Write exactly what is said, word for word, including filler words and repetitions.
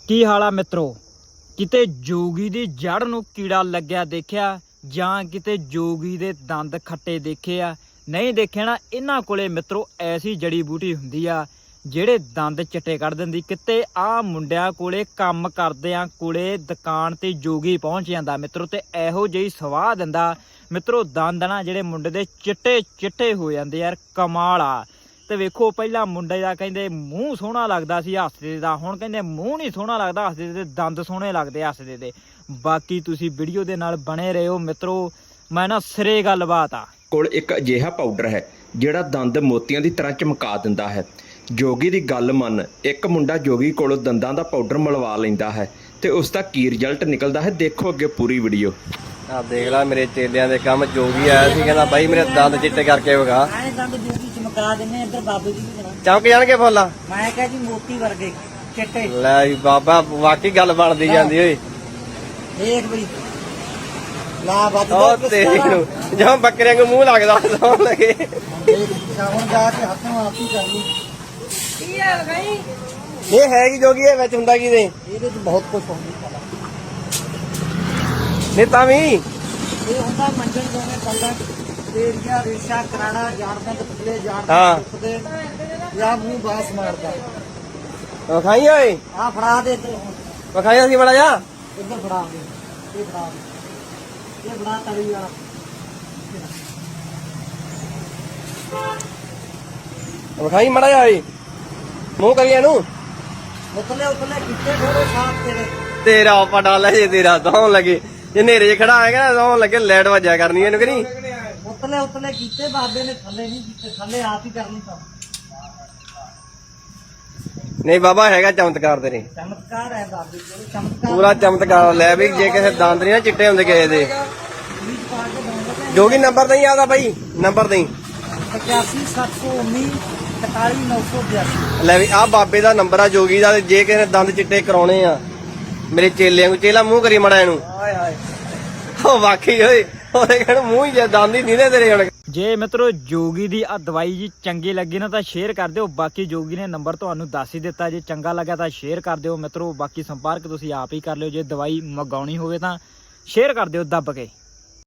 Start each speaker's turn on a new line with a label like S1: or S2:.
S1: ਕੀ ਹਾਲ ਆ ਮਿੱਤਰੋ। ਕਿਤੇ ਜੋਗੀ ਦੀ ਜੜ ਨੂੰ ਕੀੜਾ ਲੱਗਿਆ ਦੇਖਿਆ ਜਾਂ ਕਿਤੇ ਜੋਗੀ ਦੇ ਦੰਦ ਖੱਟੇ ਦੇਖੇ ਆ? ਨਹੀਂ ਦੇਖਿਆ ਨਾ। ਇਹਨਾਂ ਕੋਲੇ ਮਿੱਤਰੋ ਐਸੀ ਜੜੀ ਬੂਟੀ ਹੁੰਦੀ ਆ ਜਿਹੜੇ ਦੰਦ ਚਿੱਟੇ ਕੱਢ ਦਿੰਦੀ। ਕਿਤੇ ਆ ਮੁੰਡਿਆਂ ਕੋਲੇ ਕੰਮ ਕਰਦਿਆਂ ਕੋਲੇ ਦੁਕਾਨ ਤੇ ਜੋਗੀ ਪਹੁੰਚ ਜਾਂਦਾ ਮਿੱਤਰੋ, ਤੇ ਇਹੋ ਜਿਹੀ ਸਵਾਹ ਦਿੰਦਾ ਮਿੱਤਰੋ, ਦੰਦ ਨਾ ਜਿਹੜੇ ਮੁੰਡੇ ਦੇ ਚਿੱਟੇ ਚਿੱਟੇ ਹੋ ਜਾਂਦੇ ਯਾਰ। ਕਮਾਲ ਆ। ਤੇ ਵੇਖੋ ਪਹਿਲਾਂ ਮੁੰਡੇ ਦਾ ਕਹਿੰਦੇ ਮੂੰਹ ਸੋਹਣਾ ਲੱਗਦਾ ਸੀ ਹੱਸਦੇ ਦਾ, ਹੁਣ ਕਹਿੰਦੇ ਮੂੰਹ ਨਹੀਂ ਸੋਹਣਾ ਲੱਗਦਾ ਹੱਸਦੇ ਦੇ, ਦੰਦ ਸੋਹਣੇ ਲੱਗਦੇ ਹੱਸਦੇ ਦੇ। ਬਾਕੀ ਤੁਸੀਂ ਵੀਡੀਓ ਦੇ ਨਾਲ ਬਣੇ ਰਹੋ ਮਿੱਤਰੋ, ਮੈਂ ਨਾ ਸਿਰੇ ਗੱਲਬਾਤ ਆ।
S2: ਕੋਲ ਇੱਕ ਅਜਿਹਾ ਪਾਊਡਰ ਹੈ ਜਿਹੜਾ ਦੰਦ ਮੋਤੀਆਂ ਦੀ ਤਰ੍ਹਾਂ ਚਮਕਾ ਦਿੰਦਾ ਹੈ। ਜੋਗੀ ਦੀ ਗੱਲ ਮੰਨ, ਇੱਕ ਮੁੰਡਾ ਜੋਗੀ ਕੋਲੋਂ ਦੰਦਾਂ ਦਾ ਪਾਊਡਰ ਮਲਵਾ ਲੈਂਦਾ ਹੈ ਤੇ ਉਸ ਦਾ ਕੀ ਰਿਜ਼ਲਟ ਨਿਕਲਦਾ ਹੈ, ਦੇਖੋ ਅੱਗੇ ਪੂਰੀ ਵੀਡੀਓ।
S3: ਆ ਦੇਖ ਲੈ ਮੇਰੇ ਚੇਲਿਆਂ ਦੇ ਕੰਮ। ਜੋਗੀ ਆਇਆ ਸੀ ਕਹਿੰਦਾ ਬਾਈ ਮੇਰੇ ਦੰਦ ਚਿੱਟੇ ਕਰਕੇ ਵਿਖਾ।
S4: ਐਂ ਦੰਦ ਜੋਗੀ ਚਮਕਾ ਦਿੰਨੇ, ਇੱਧਰ ਬਾਬੇ ਜੀ ਵੀ
S3: ਚਮਕ ਜਾਣਗੇ ਫੁੱਲ।
S4: ਮੈਂ ਕਿਹਾ ਜੀ ਮੋਤੀ ਵਰਗੇ ਚਿੱਟੇ।
S3: ਲੈ ਵੀ ਬਾਬਾ ਵਾਕਈ ਗੱਲ ਬਣਦੀ ਜਾਂਦੀ ਓਏ।
S4: ਦੇਖ ਬਈ ਲਾ ਵੱਜ
S3: ਉਹ ਤੇਰੀ ਨੂੰ ਜਾਂ ਬੱਕਰਿਆਂ ਨੂੰ ਮੂੰਹ ਲੱਗਦਾ ਸੌਣ ਲੱਗੇ।
S4: ਹੁਣ ਜਾ ਕੇ ਹੱਥ ਨੂੰ ਆਪ ਹੀ ਕਰ ਲਈ। ਕੀ ਹਾਲ ਗਈ?
S3: ਇਹ ਹੈ ਕੀ ਜੋਗੀ? ਇਹ ਵਿੱਚ ਹੁੰਦਾ ਕੀ ਦੇ?
S4: ਇਹਦੇ ਚ ਬਹੁਤ ਕੁਝ ਹੁੰਦਾ।
S3: ਨਹੀਂ ਤਾਂ ਵੀ
S4: ਇਹ ਹੁੰਦਾ ਮੰਜਣ ਦੋਵੇਂ ਕੱਲਾ ਤੇਰੀਆਂ ਰੇਸ਼ਾ ਕਰਾੜਾ ਜਾਣਦਾ ਤੇ ਪਤਲੇ ਜਾਣਦਾ ਟੁੱਟਦੇ ਜਾਂ ਮੂੰਹ ਬਾਸ ਮਾਰਦਾ।
S3: ਵਿਖਾਈ ਓਏ,
S4: ਆ ਫੜਾ ਦੇ ਤੇ
S3: ਵਿਖਾਈ ਅਸੀਂ ਬੜਾ ਜਾ
S4: ਇੱਧਰ ਫੜਾ ਦੇ। ਇਹ ਫੜਾ ਦੇ, ਇਹ ਫੜਾ ਤਲੀ ਵਾਲਾ।
S3: ਵਿਖਾਈ ਮੜਾ ਜਾ ਓਏ, ਮੂੰਹ ਕਰੀ ਇਹਨੂੰ।
S4: ਉਤਲੇ ਉਤਲੇ ਕਿੱਥੇ ਥੋੜੇ ਸਾਫ ਤੇਰੇ।
S3: ਤੇਰਾ ਪਟਾ ਲੈ ਜੇ ਤੇਰਾ ਦੌਣ ਲੱਗੇ। ਜੇ ਨੇਰੇ 'ਚ ਖੜਾ ਆਏਗਾ ਨਾ ਦੌਣ ਲੱਗੇ ਲੈਟ ਵੱਜਿਆ ਕਰਨੀ ਇਹਨੂੰ ਕਿ ਨਹੀਂ।
S4: ਉਤਲੇ ਉਤਲੇ ਕੀਤੇ ਬਾਬੇ ਨੇ, ਥੱਲੇ ਨਹੀਂ ਕੀਤੇ, ਥੱਲੇ ਆਪ ਹੀ ਕਰਨੀ ਤਾਂ।
S3: ਨਹੀਂ ਬਾਬਾ ਹੈਗਾ ਚਮਤਕਾਰ ਤੇਰੇ,
S4: ਚਮਤਕਾਰ ਹੈ ਬਾਬੇ ਕੋਲ, ਚਮਤਕਾਰ
S3: ਪੂਰਾ ਚਮਤਕਾਰ। ਲੈ ਵੀ ਜੇ ਕਿਸੇ ਦੰਦ ਨਹੀਂ ਨਾ ਚਿੱਟੇ ਹੁੰਦੇ ਕਿਸੇ ਦੇ।
S4: ਬੀਜ ਪਾ ਕੇ ਦੋਗੇ।
S3: ਜੋਗੀ ਨੰਬਰ ਨਹੀਂ ਆਦਾ ਬਾਈ, ਨੰਬਰ ਨਹੀਂ।
S4: ਪਚਾਸੀ ਸੱਤ ਸੌ ਉੱਨੀ ਇਕਤਾਲੀ ਨੌ ਸੌ ਬਿਆਸੀ।
S3: ਲੈ ਵੀ ਆਹ ਬਾਬੇ ਦਾ ਨੰਬਰ ਆ ਜੋਗੀ ਦਾ। ਤੇ ਜੇ ਕਿਸੇ ਨੇ ਦੰਦ ਚਿੱਟੇ ਕਰਾਉਣੇ ਆ ਮੇਰੇ ਚੇਲਿਆਂ ਨੂੰ, ਚੇਲਾ ਮੂੰਹ ਕਰੀ ਮੜਾ ਇਹਨੂੰ।
S4: ਹਾਏ ਹਾਏ
S3: ਉਹ ਵਾਕਈ ਓਏ, ਉਹਦੇ ਕਹਿਣ ਮੂੰਹ ਹੀ ਜੇ ਦੰਦ ਹੀ ਨਹੀਂ ਤੇਰੇ ਹੁਣ।
S1: ਜੇ ਮਿੱਤਰੋ ਜੋਗੀ ਦੀ ਆ ਦਵਾਈ ਜੀ ਚੰਗੀ ਲੱਗੀ ਨਾ ਤਾਂ ਸ਼ੇਅਰ ਕਰ ਦਿਓ। ਬਾਕੀ ਜੋਗੀ ਨੇ ਨੰਬਰ ਤੁਹਾਨੂੰ ਦੱਸ ਹੀ ਦਿੱਤਾ, ਜੇ ਚੰਗਾ ਲੱਗਾ ਤਾਂ ਸ਼ੇਅਰ ਕਰ ਦਿਓ ਮਿੱਤਰੋ। ਬਾਕੀ ਸੰਪਰਕ ਤੁਸੀਂ ਆਪ ਹੀ ਕਰ ਲਿਓ। ਜੇ ਦਵਾਈ ਮੰਗਾਉਣੀ ਹੋਵੇ ਤਾਂ ਸ਼ੇਅਰ ਕਰ ਦਿਓ ਦੱਬ ਕੇ।